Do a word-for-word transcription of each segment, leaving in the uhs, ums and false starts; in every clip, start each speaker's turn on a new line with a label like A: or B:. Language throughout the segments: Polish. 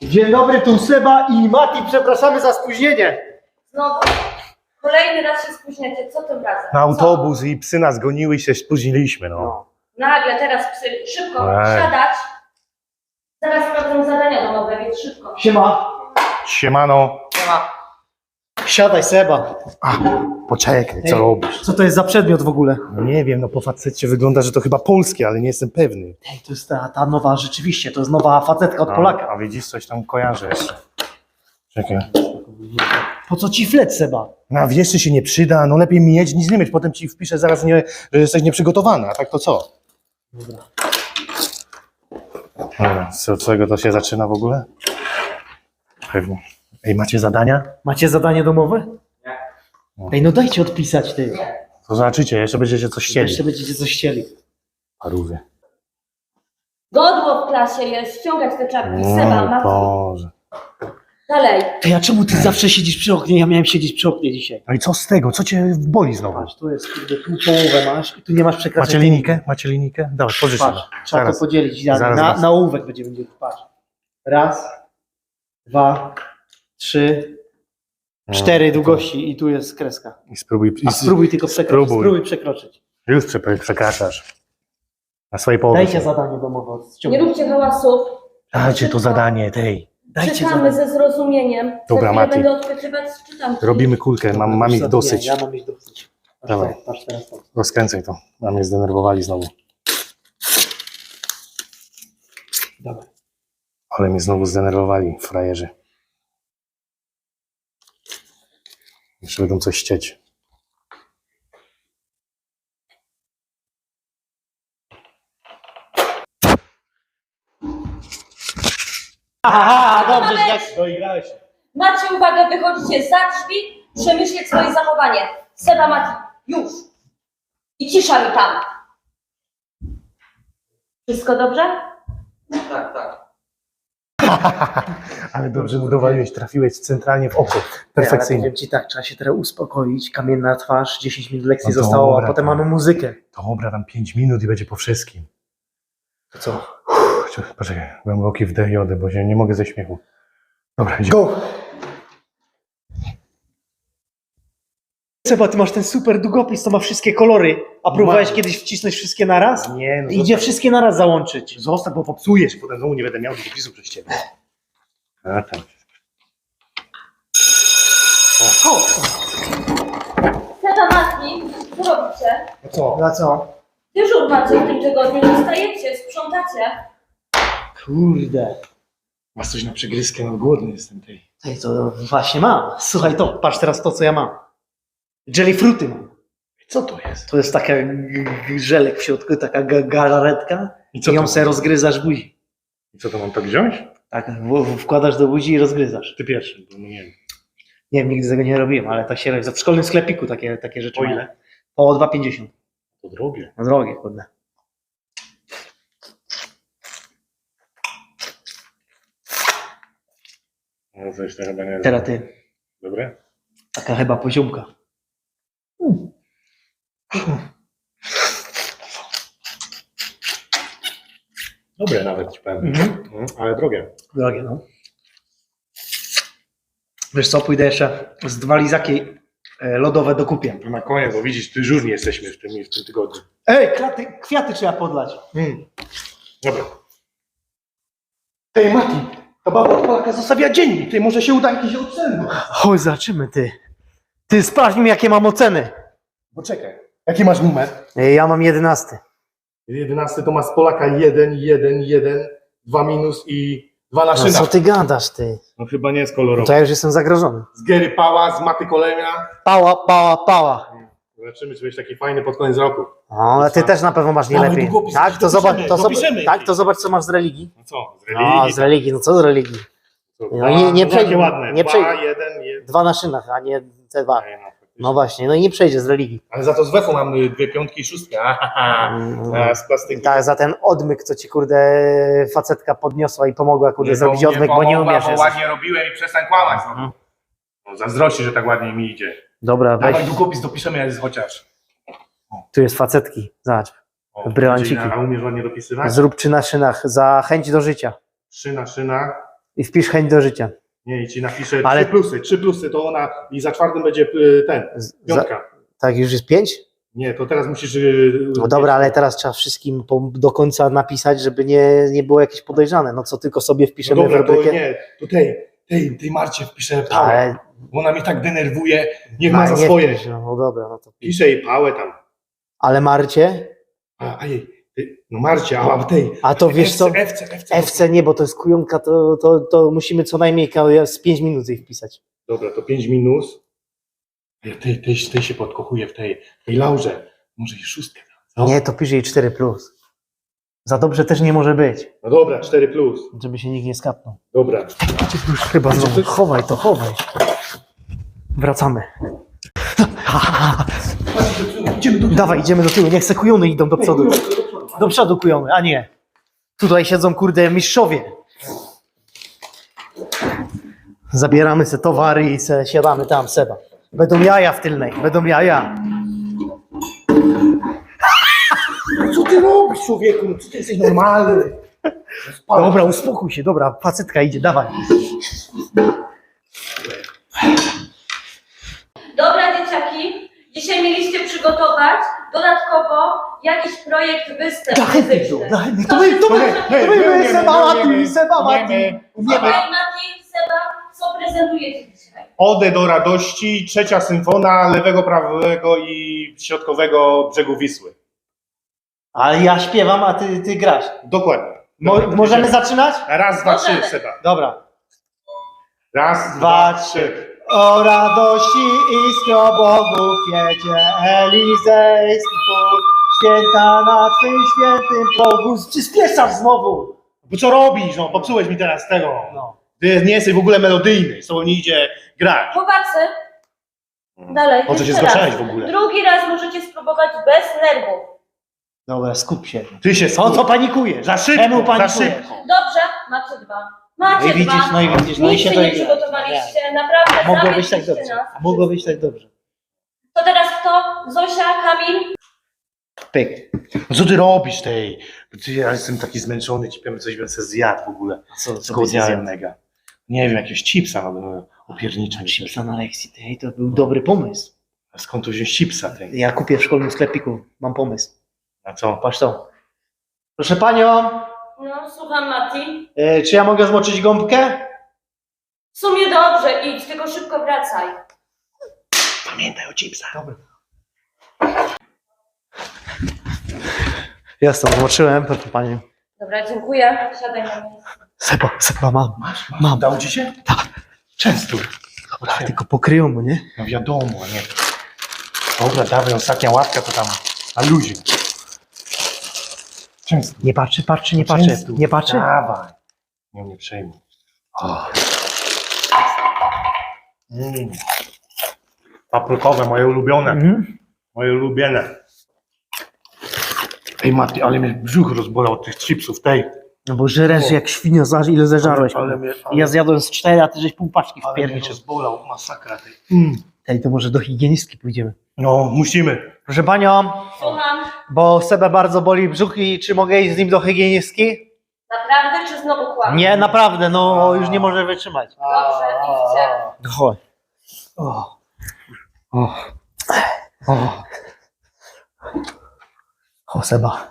A: Dzień dobry, tu Seba i Mati, przepraszamy za spóźnienie.
B: Znowu, kolejny raz się spóźniacie, co tym razem?
C: Na autobus i psy nas goniły i się spóźniliśmy, no.
A: No.
B: Nagle teraz psy, szybko,
C: Ej.
B: siadać. Zaraz sprawdzę zadania domowe, więc szybko.
A: Siema.
C: Siemano.
A: Siema. Siadaj, Seba.
C: A, poczekaj, co
A: Ej.
C: robisz?
A: Co to jest za przedmiot w ogóle?
C: No nie wiem, no po facecie wygląda, że to chyba polskie, ale nie jestem pewny.
A: Ej, to jest ta, ta nowa, rzeczywiście, to jest nowa facetka od
C: No,
A: Polaka.
C: a widzisz, coś tam kojarzę jeszcze. Czekaj.
A: Po co ci flet, Seba?
C: No wiesz, czy się nie przyda, no lepiej mieć niż nie mieć, potem ci wpiszę zaraz, nie, że jesteś nieprzygotowana, a tak to co?
A: Dobra.
C: Dobra, co, od czego to się zaczyna w ogóle? Pewnie. Ej, macie zadania?
A: Macie zadanie domowe?
C: Nie.
A: Ej, no dajcie odpisać, ty.
C: To zobaczycie, jeszcze będziecie coś chcieli.
A: Jeszcze będziecie coś chcieli.
C: Parówy.
B: Godło w klasie jest, ściągać te czapki. Seba,
C: Mm,
B: Mati,
C: Boże.
B: dalej.
A: Ej, a czemu ty zawsze siedzisz przy oknie? Ja miałem siedzieć przy oknie dzisiaj.
C: No i co z tego? Co cię boli znowu?
A: Patrz, tu jest, kurde, tu połowę masz i tu nie masz przekraczania.
C: Macie linijkę? Macie linijkę? Dawaj, pożycz.
A: Patrz, trzeba
C: Zaraz.
A: to podzielić. Na,
C: Zaraz,
A: na,
C: zaraz.
A: na ołówek będziemy dzielić. Patrz. Raz, dwa, trzy, cztery długości i tu jest kreska.
C: I spróbuj.
A: A
C: I
A: spróbuj tylko przekroczyć.
C: spróbuj.
A: Spróbuj przekroczyć.
C: Już prze- przekraczasz. Na swojej połowie.
A: Dajcie zadanie domowe.
B: Nie
A: Ściągnij.
B: róbcie hałasów.
C: Dajcie to zadanie, tej.
A: Dajcie
B: Czytamy
A: zadanie.
B: ze zrozumieniem.
C: Dobra,
B: Za chwilę
C: Mati.
B: będę odpytywać, czytam.
C: Robimy kulkę, mam, mam ich dosyć.
A: Ja mam ich dosyć. Patrz,
C: Dawaj.
A: to, patrz teraz to.
C: Rozkręcaj to. A mnie zdenerwowali znowu.
A: Dawaj.
C: Ale mnie znowu zdenerwowali, frajerzy. Jeszcze będą coś chcieć.
A: Aha, dobrze,
B: Mamy-
A: jak...
C: Doigrałeś się.
B: Macie uwagę, wychodzicie za drzwi, przemyśleć swoje zachowanie. Seba, Mati, już. I cisza mi tam. Wszystko dobrze?
A: Tak, tak.
C: Ale dobrze mu dowaliłeś, trafiłeś centralnie w oko.
A: Ale
C: Perfekcyjnie.
A: powiem ci tak, trzeba się teraz uspokoić, kamienna twarz, dziesięć minut lekcji
C: No
A: zostało, a
C: dobra,
A: potem
C: to-
A: mamy muzykę.
C: Dobra, tam pięć minut i będzie po wszystkim.
A: To co?
C: Uff, poczekaj, głęboki wdech jody, bo się nie mogę ze śmiechu. Dobra, idziemy.
A: Go! Seba, ty masz ten super długopis, to ma wszystkie kolory. A próbowałeś
C: Mam.
A: kiedyś wcisnąć wszystkie naraz?
C: Nie, no
A: Idzie
C: zostaw,
A: wszystkie naraz załączyć.
C: zostaw, bo popsujesz, potem znowu nie będę miał długopisu przez ciebie. A tam.
A: O!
B: Seba, Mati, co robicie?
C: No co?
A: Na co?
B: Dyżur macie w tym tygodniu, zostajecie, sprzątacie.
A: Kurde.
C: Masz coś na przegryzkę, no głodny jestem tej.
A: Ej, to właśnie mam. Słuchaj to, patrz teraz to, co ja mam. Jelly fruity mam.
C: Co to jest?
A: To jest taka g- g- żelek w środku, taka ga- galaretka
C: I
A: i
C: co
A: ją
C: to?
A: sobie rozgryzasz w buzi.
C: I co to mam to wziąć?
A: Tak, w- w- wkładasz do buzi i rozgryzasz.
C: Ty pierwszy, bo no nie wiem.
A: Nie wiem, nigdy tego nie robiłem, ale tak się robi. W szkolnym sklepiku takie, takie rzeczy
C: Po
A: mają.
C: ile?
A: Po dwa pięćdziesiąt.
C: To drogie.
A: No drogie, kurde.
C: No coś to chyba nie jest.
A: Teraz ty,
C: Dobre?
A: taka chyba poziomka.
C: Dobre nawet ci powiem.
A: Mhm.
C: Mhm, ale drogie.
A: Drogie, no. Wiesz co, pójdę jeszcze z dwa lizaki e, lodowe dokupię.
C: To na koniec, bo widzisz, ty żurni jesteśmy w tym, w tym tygodniu.
A: Ej, klaty, kwiaty trzeba podlać.
C: Mm. Dobra.
A: Ej, Mati,
C: Ta baba Polaka zostawia dziennik, ty może się uda jakieś oceny.
A: chodź, zobaczymy, ty. Ty, sprawdź mi, jakie mam oceny.
C: Poczekaj. Jaki masz numer?
A: Ej, ja mam jedenasty.
C: jedenasty to ma z Polaka jeden, jeden, jeden, dwa minus i dwa na
A: No
C: szynach.
A: co ty gadasz, ty?
C: No chyba nie jest
A: No
C: kolorowy.
A: to ja już jestem zagrożony.
C: Z Gary Pała, z Maty Kolemia.
A: Pała, pała, pała.
C: Zobaczymy, czy będziesz taki fajny pod koniec roku.
A: O, ale ty też na pewno masz nie
C: Dawaj
A: lepiej.
C: długopis,
A: Tak, to
C: dopiszemy,
A: zobacz, to
C: dopiszemy.
A: zobacz, tak, to zobacz, co masz z religii.
C: No co, z
A: No,
C: religii?
A: z religii, no co z religii?
C: To
A: No nie- nie
C: no
A: przejdzie-
C: takie ładne.
A: nie
C: Dwa,
A: przejdzie.
C: jeden, jeden.
A: Dwa na szynach, a nie te dwa.
C: Nie, no, faktycznie.
A: No właśnie, no i nie przejdzie z religii.
C: Ale za to z wefu mam y, dwie piątki i szóstkę. Ahaha.
A: Mm.
C: A, z plastyki.
A: Tak, za ten odmyk, co ci kurde facetka podniosła i pomogła kurde
C: Nie,
A: zrobić
C: bo-
A: odmyk, bo nie
C: pomogła,
A: umiesz.
C: Bo
A: jesteś.
C: ładnie robiłem i przestań kłamać. No.
A: Mhm.
C: No, zazdrości, że tak ładnie mi idzie.
A: Dobra, weź,
C: Dawaj długopis, dopiszemy jest chociaż.
A: tu jest facetki, zobacz.
C: O,
A: Brylanciki.
C: A umiesz ładnie dopisywać?
A: Zrób trzy na szynach, za chęć do życia.
C: Trzy na szynach.
A: I wpisz chęć do życia.
C: Nie, i ci napiszę
A: Ale-
C: trzy plusy, trzy plusy, to ona i za czwartym będzie y, ten,
A: Z-
C: piątka.
A: Za, tak, już jest pięć?
C: Nie, to teraz musisz... y,
A: No dobra, ale teraz trzeba wszystkim po, do końca napisać, żeby nie, nie było jakieś podejrzane. No co tylko sobie
C: No
A: wpiszemy
C: dobra,
A: w
C: to
A: rubrykę.
C: nie, to tej, tej, tej Marcie wpiszę pałę,
A: Ale
C: bo ona mnie tak denerwuje, niech ma za
A: nie
C: swoje.
A: wpisz, no, no dobra, no to pisz.
C: Piszę jej pałę tam.
A: Ale Marcie?
C: A, a jej, ty, no Marcie, a tej...
A: A to wiesz co?
C: F C, F C,
A: F C nie, bo to jest kujonka, to, to, to musimy co najmniej ka- z pięć minut jej wpisać.
C: Dobra, to pięć minus. Ja tej, tej, tej się podkochuję w tej, tej Laurze. Może i szóstkę. No.
A: Nie, to pisz jej cztery plus. Za dobrze też nie może być,
C: No dobra, cztery plus.
A: żeby się nikt nie skapnął.
C: Dobra.
A: Już chyba znowu. Chowaj to, chowaj. Wracamy.
C: Idziemy do
A: Dawaj, idziemy do tyłu, niech se kujony idą do przodu. Do przodu kujony, a nie. Tutaj siedzą kurde mistrzowie. Zabieramy se towary i se siadamy tam, Seba. Będą jaja w tylnej, będą jaja.
C: Co ty robisz, człowieku? Co ty jesteś normalny?
A: Dobra, uspokój się, dobra, facetka idzie, dawaj.
B: Dobra, dzieciaki, dzisiaj mieliście przygotować dodatkowo jakiś projekt występ muzyczny.
A: To my,
B: Kto
A: to my,
B: się
A: to
B: zgłasza?
A: my, to my, my, Seba Mati, Seba Mati.
B: Okej, Mati, Seba, co prezentujecie dzisiaj?
C: Odę do radości, trzecia symfona lewego, prawego i środkowego brzegu Wisły.
A: Ale ja śpiewam, a ty, ty grasz.
C: Dokładnie.
A: Mo,
C: Dobra,
A: możemy
C: idziemy.
A: zaczynać?
C: Raz, dwa,
B: Możemy.
C: trzy, Seba.
A: Dobra.
C: Raz,
A: Dwa,
C: dwa, trzy.
A: O radości iskro Bogu kwiecie elizejski płód, święta na Twym świętym progu. Przyspieszasz znowu.
C: Bo co robisz? No, popsułeś mi teraz tego.
A: No.
C: Ty nie jesteś w ogóle melodyjny, z tobą nie idzie grać.
B: Chłopacy, dalej,
C: Po co się
B: jeszcze raz.
C: zgłaszałeś w ogóle?
B: Drugi raz możecie spróbować bez nerwów.
A: Dobra, skup się.
C: Ty się
A: Co, co panikujesz?
C: Za szybko,
A: Czemu
C: za
A: panikujesz?
C: szybko.
B: Dobrze, macie dwa.
A: No
B: Macie
A: i widzisz,
B: dwa.
A: no i widzisz, no i
B: Nic
A: się
B: się
A: to
B: nie
A: idzie.
B: przygotowaliście, naprawdę
A: Mogło być tak
B: zawiedliście
A: dobrze.
B: nas.
A: A mogło być tak dobrze.
B: To teraz kto? Zosia, Kamil?
A: Pyk.
C: No co ty robisz tej? Ty, ja jestem taki zmęczony, ci powiem, coś bym sobie zjadł w ogóle.
A: Co, co
C: Zgłodniałem mega. Nie wiem, jakiegoś chipsa no, opierniczego.
A: Chipsa na lekcji, tej, to był dobry pomysł.
C: Skąd tu wziąć chipsa tej?
A: Ja kupię w szkolnym sklepiku, mam pomysł.
C: A co?
A: Patrz to. Proszę panią,
B: No, słucham Mati.
A: e, czy ja mogę zmoczyć gąbkę?
B: W sumie dobrze, idź, tylko szybko wracaj.
C: Pamiętaj o chipsach.
A: Dobra. Jasno, zmoczyłem, proszę panią.
B: Dobra, dziękuję. Siadaj na miejsce.
A: Seba, Seba mam.
C: Masz, masz.
A: Mam.
C: Dał ci się?
A: Tak.
C: Często. Dobra,
A: Tak, tylko pokryją mu, nie?
C: no wiadomo, nie. Dobra, dawaj, ostatnia łapka to tam na luzie. Często.
A: Nie patrzy, patrzy, nie patrzy.
C: Często.
A: Nie patrzy?
C: Dawaj. Nie, nie przejmuj. O. Mm. Paprykowe, moje ulubione.
A: Mhm.
C: Moje ulubione. Ej Mati, ale mnie brzuch rozbolał od tych chipsów, tej.
A: No bo żeresz jak świnia, zaż ile zeżarłeś.
C: Ale, ale mnie, ale,
A: Ja zjadłem z cztery, a ty żeś pół paczki
C: ale mnie
A: wpierniczył.
C: rozbolał, masakra tej. Mm.
A: Tej, to może do higienistki pójdziemy.
C: No, musimy.
A: Proszę panią,
B: Słucham.
A: bo Sebę bardzo boli brzuch i czy mogę iść z nim do higienistki?
B: Naprawdę, czy znowu kłamie?
A: Nie, naprawdę, no już nie może wytrzymać.
B: Dobrze, idźcie.
A: No chodź. O. O. O. O, Seba.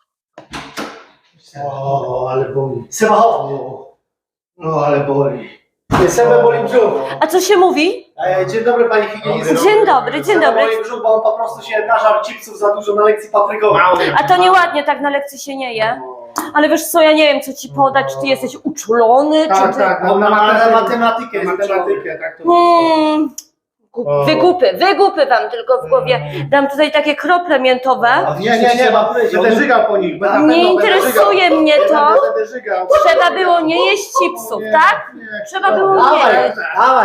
C: O, ale boli.
A: Seba, chodź.
C: No, ale boli.
A: Sebę boli brzuch.
B: A co się mówi?
A: E, Dzień dobry pani higienistko.
B: Dzień dobry, dzień
A: Seba
B: dobry.
A: boli brzuch, bo on po prostu się nażarł chipsów za dużo na lekcji paprykowej.
B: A to nieładnie, tak na lekcji się nie je. Ale wiesz co, ja nie wiem, co ci podać, czy ty jesteś uczulony,
C: Tak,
B: czy ty...
C: tak,
A: On
C: na
A: ma
C: matematykę.
A: matematykę. jest
C: Matematykę, tak to
B: Hmm,
C: O.
B: wygupy, wygupy wam tylko w głowie. Dam tutaj takie krople miętowe.
C: Nie, nie, nie, ma będę żygał po nich. Będę,
B: Nie
C: będę
B: interesuje
C: żygał.
B: mnie to.
C: Będę, będę żygał.
B: Trzeba było nie jeść chipsów,
C: Nie,
B: tak?
C: nie.
B: Trzeba było nie
A: Dawaj,
B: jeść.
A: dawaj.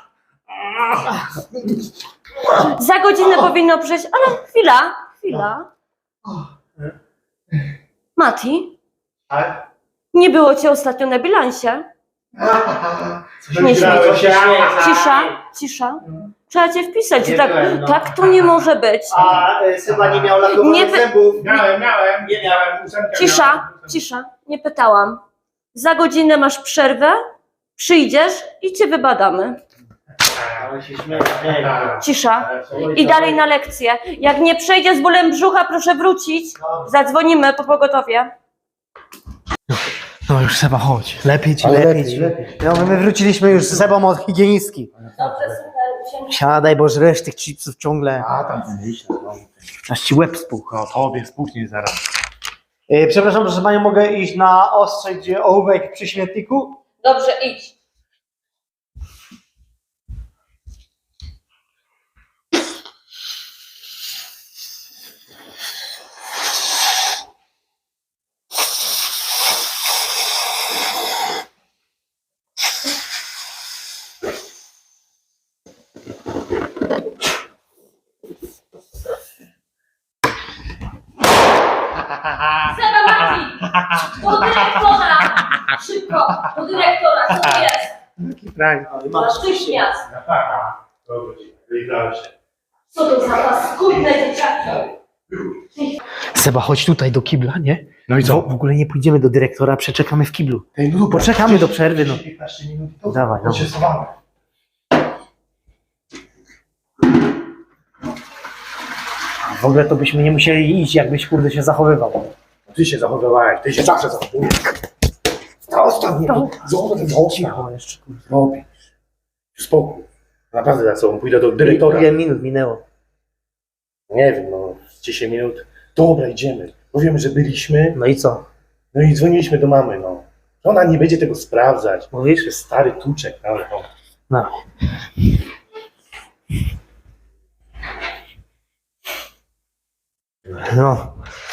B: Za godzinę powinno przyjść, ale chwila, chwila. Mati,
C: Tak?
B: nie było cię ostatnio na bilansie.
C: Coś
B: Nie
C: grałem.
A: śmiej,
B: Cisza, cisza. Trzeba cię wpisać.
A: Nie
B: Tak,
A: byłem, no.
B: tak to nie może być.
A: A e, Seba nie miał lakowanych
B: Nie wy-
A: zębów.
C: Miałem, miałem. Nie miałem. Ósemkę
B: Cisza,
C: miałem.
B: cisza. Nie pytałam. Za godzinę masz przerwę przyjdziesz i cię wybadamy.
A: Ale się śmieję.
B: Cisza. I dalej na lekcję. Jak nie przejdzie z bólem brzucha, proszę wrócić. Zadzwonimy po pogotowie.
A: No już Seba, chodź. Lepiej ci,
C: Ale
A: lepiej
C: lepiej,
A: ci.
C: lepiej.
A: No my wróciliśmy już z Sebą od higienistki.
B: Dobrze, super. Usiądź.
A: Siadaj, bo żresz tych chipsów ciągle.
C: A tam myślę, no.
A: Aż ci łeb spuchł.
C: No tobie spuchnie zaraz.
A: Yy, przepraszam, proszę panią, mogę iść na ostrzeć ołówek przy śmietniku?
B: Dobrze, idź. Seba Mati! Do dyrektora! Szybko! Do dyrektora! Co to jest?
C: Jaki fraj.
B: Natychmiast!
C: Wygrałem się.
B: Co to za paskudne dzieciaki?
A: Seba, chodź tutaj do kibla, nie?
C: No i
A: W,
C: co?
A: w ogóle nie pójdziemy do dyrektora, przeczekamy w kiblu.
C: Ej, no dobra,
A: Poczekamy do przerwy, no.
C: piętnaście minut i to.
A: Dawaj,
C: To się
A: dawaj.
C: schowamy.
A: W ogóle to byśmy nie musieli iść, jakbyś kurde się zachowywał.
C: Ty się zachowywałeś, ty się zawsze zachowujesz. Zostaw mnie, zostaw mnie.
A: Cicho jeszcze.
C: Robisz. Spokój. Naprawdę za sobą pójdę do dyrektora.
A: Ile minut minęło?
C: Nie wiem, no dziesięć minut. Dobra, idziemy. Powiemy, że byliśmy.
A: No i co?
C: No i dzwoniliśmy do mamy, no. Ona nie będzie tego sprawdzać.
A: Mówisz?
C: Jest stary tuczek, ale no.
A: No. No.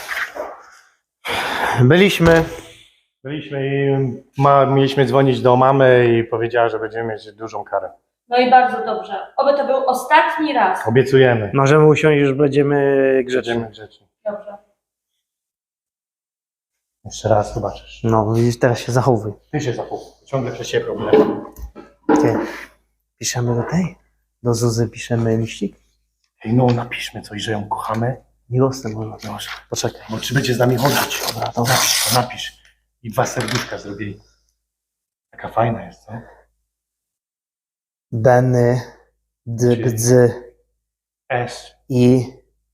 A: Byliśmy.
C: Byliśmy i ma, mieliśmy dzwonić do mamy i powiedziała, że będziemy mieć dużą karę.
B: No i bardzo dobrze. Oby to był ostatni raz.
C: Obiecujemy.
A: Możemy usiąść, już będziemy grzeczni.
C: Będziemy grzeczni.
B: Dobrze.
C: Jeszcze raz zobaczysz.
A: No, widzisz, teraz się zachowuj.
C: Ty się zachowuj. Ciągle przez ciebie problem.
A: Ty. Piszemy do tej? Do Zuzy piszemy liścik?
C: Ej, no napiszmy coś, że ją kochamy.
A: Miłosny może.
C: Proszę.
A: Poczekaj.
C: Bo czy będzie z nami chodzić?
A: Dobra, dobra.
C: Napisz, to napisz. I dwa serduszka zrobili. Taka fajna jest, co?
A: Benny, D, B, D,
C: S.
A: I,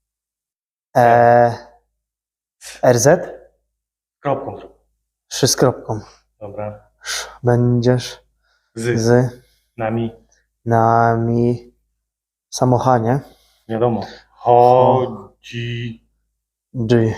A: E, R, Z?
C: Kropką zrób.
A: Trzy z kropką.
C: Dobra.
A: Będziesz
C: Z.
A: z
C: Nami.
A: nami w samochanie.
C: Wiadomo. Chodzi.
A: G.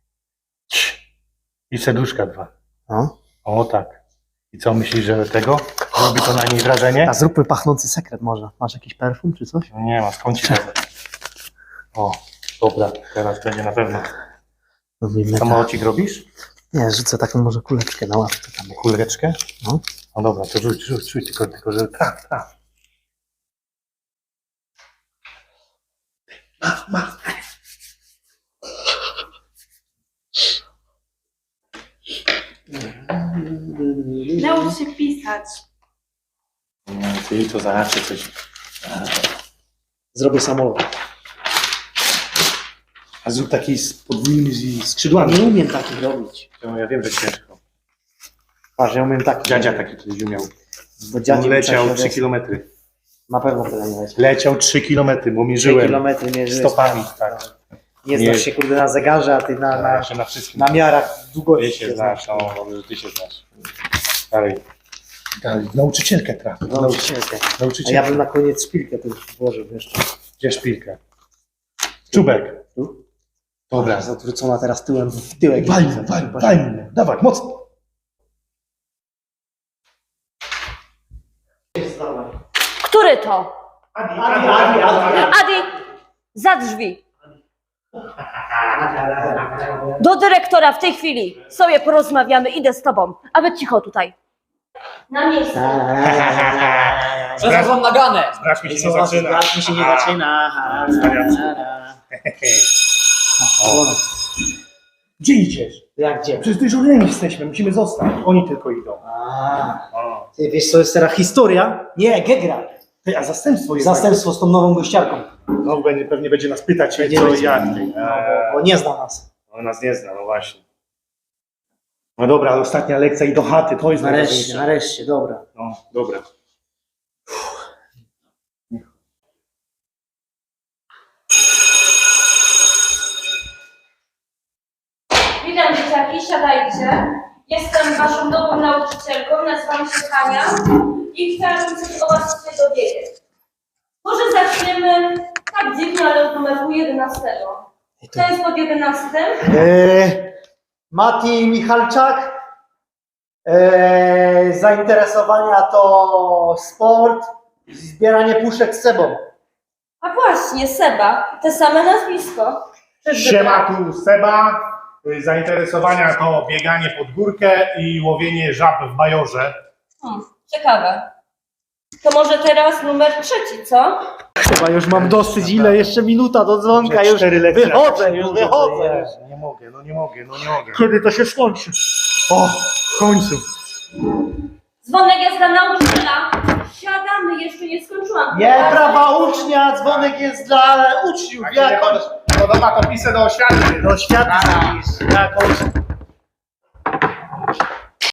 C: I serduszka dwa.
A: No.
C: O tak. I co myślisz, że tego? Robi to na niej wrażenie?
A: A zróbmy pachnący sekret może. Masz jakiś perfum czy coś?
C: No nie ma, skąd ci wezmę? O, dobra, teraz będzie na pewno.
A: Robimy tak.
C: Samolocik robisz?
A: Nie, rzucę taką może kuleczkę na łapkę tam.
C: Kuleczkę?
A: No.
C: No dobra, to rzuć, rzuć, rzuć, tylko, tylko że traf, traf. Ma, ma.
D: Naucz się pisać.
C: Nie, ty to zawsze coś.
A: Zrobię samolot.
C: A zrób taki z podwójnymi skrzydłami.
A: Nie umiem takich robić.
C: No, ja wiem, że ciężko.
A: Patrz, ja umiem taki.
C: Dziadzia taki kiedyś umiał.
A: Bo dziadzie
C: Leciał
A: musiał się
C: trzy
A: odezwać.
C: kilometry.
A: Na pewno tyle nie leci.
C: Leciał trzy kilometry, bo
A: Trzy
C: mierzyłem.
A: kilometry mierzyłeś.
C: Stopami, tak.
A: Nie
C: Nie.
A: znasz się kurde na zegarze, a ty na, na,
C: Jeszcze na wszystkim.
A: na miarach
C: Ty
A: długości
C: się znasz, no, dobrze, że ty się znasz. Dalej. Dalej. Nauczycielkę trafi.
A: Nauczycielkę. A
C: Nauczycielkę.
A: ja bym na koniec szpilkę tu włożył jeszcze.
C: Gdzie szpilkę? Czubek.
A: Tu?
C: Dobra.
A: Jest odwrócona teraz tyłem w tyłek.
C: Wal mnie, wal, wal mnie. Dawaj, mocno.
B: Który to?
A: Adi, Adi, Adi, Adi.
B: Adi, za drzwi. Do dyrektora w tej chwili. Sobie porozmawiamy, idę z tobą. A wy cicho tutaj. Na miejsce.
A: Zaraz mam naganę.
C: Brać mi się nie zaczyna.
A: Brać mi się nie zaczyna.
C: Gdzie idziesz?
A: Jak gdzie?
C: Przecież dyżurnymi jesteśmy, musimy zostać. Oni tylko idą.
A: A,
C: O.
A: ty wiesz co jest teraz historia? Nie, Gegra.
C: Ty, a zastępstwo jest.
A: Zastępstwo z tą nową gościarką.
C: No pewnie, pewnie będzie nas pytać,
A: Będzie
C: co
A: będzie.
C: jak ty.
A: No, bo, bo nie zna nas.
C: On nas nie zna, no właśnie. No dobra, ostatnia lekcja i do chaty, to jest
A: Nareszcie,
C: najważniejsze.
A: nareszcie, dobra.
C: No, dobra.
B: Witam dzieciaki, siadajcie. Jestem waszą nową nauczycielką, nazywam się Hania i chciałabym coś o was się dowiedzieć. Może zaczniemy tak dziwnie, ale od numeru jedenastego. Kto jest pod jedenastym?
A: Eee, Mati Michalczak. Eee, zainteresowania to sport, zbieranie puszek z sebą.
B: A właśnie, Seba, te same nazwisko. Czyżby
C: Siema,
B: tak?
C: tu Seba. Zainteresowania to bieganie pod górkę i łowienie żab w bajorze.
B: Hmm, ciekawe. To może teraz numer trzeci, co?
A: Chyba już mam dosyć, ile jeszcze minuta do dzwonka, już
C: Cztery lekcje,
A: wychodzę,
C: jak
A: już
C: się
A: wychodzę.
C: nudzę, Jezu, Nie mogę, no nie mogę, no nie mogę.
A: Kiedy to się skończy?
C: O, w końcu.
B: Dzwonek jest dla nauczyciela. Siadamy, jeszcze nie skończyłam.
A: Nie, prawa ucznia, dzwonek jest dla uczniów.
C: Jak się nie
A: Jak on
C: podoba, to pisę do oświaty.
A: do świata, jak on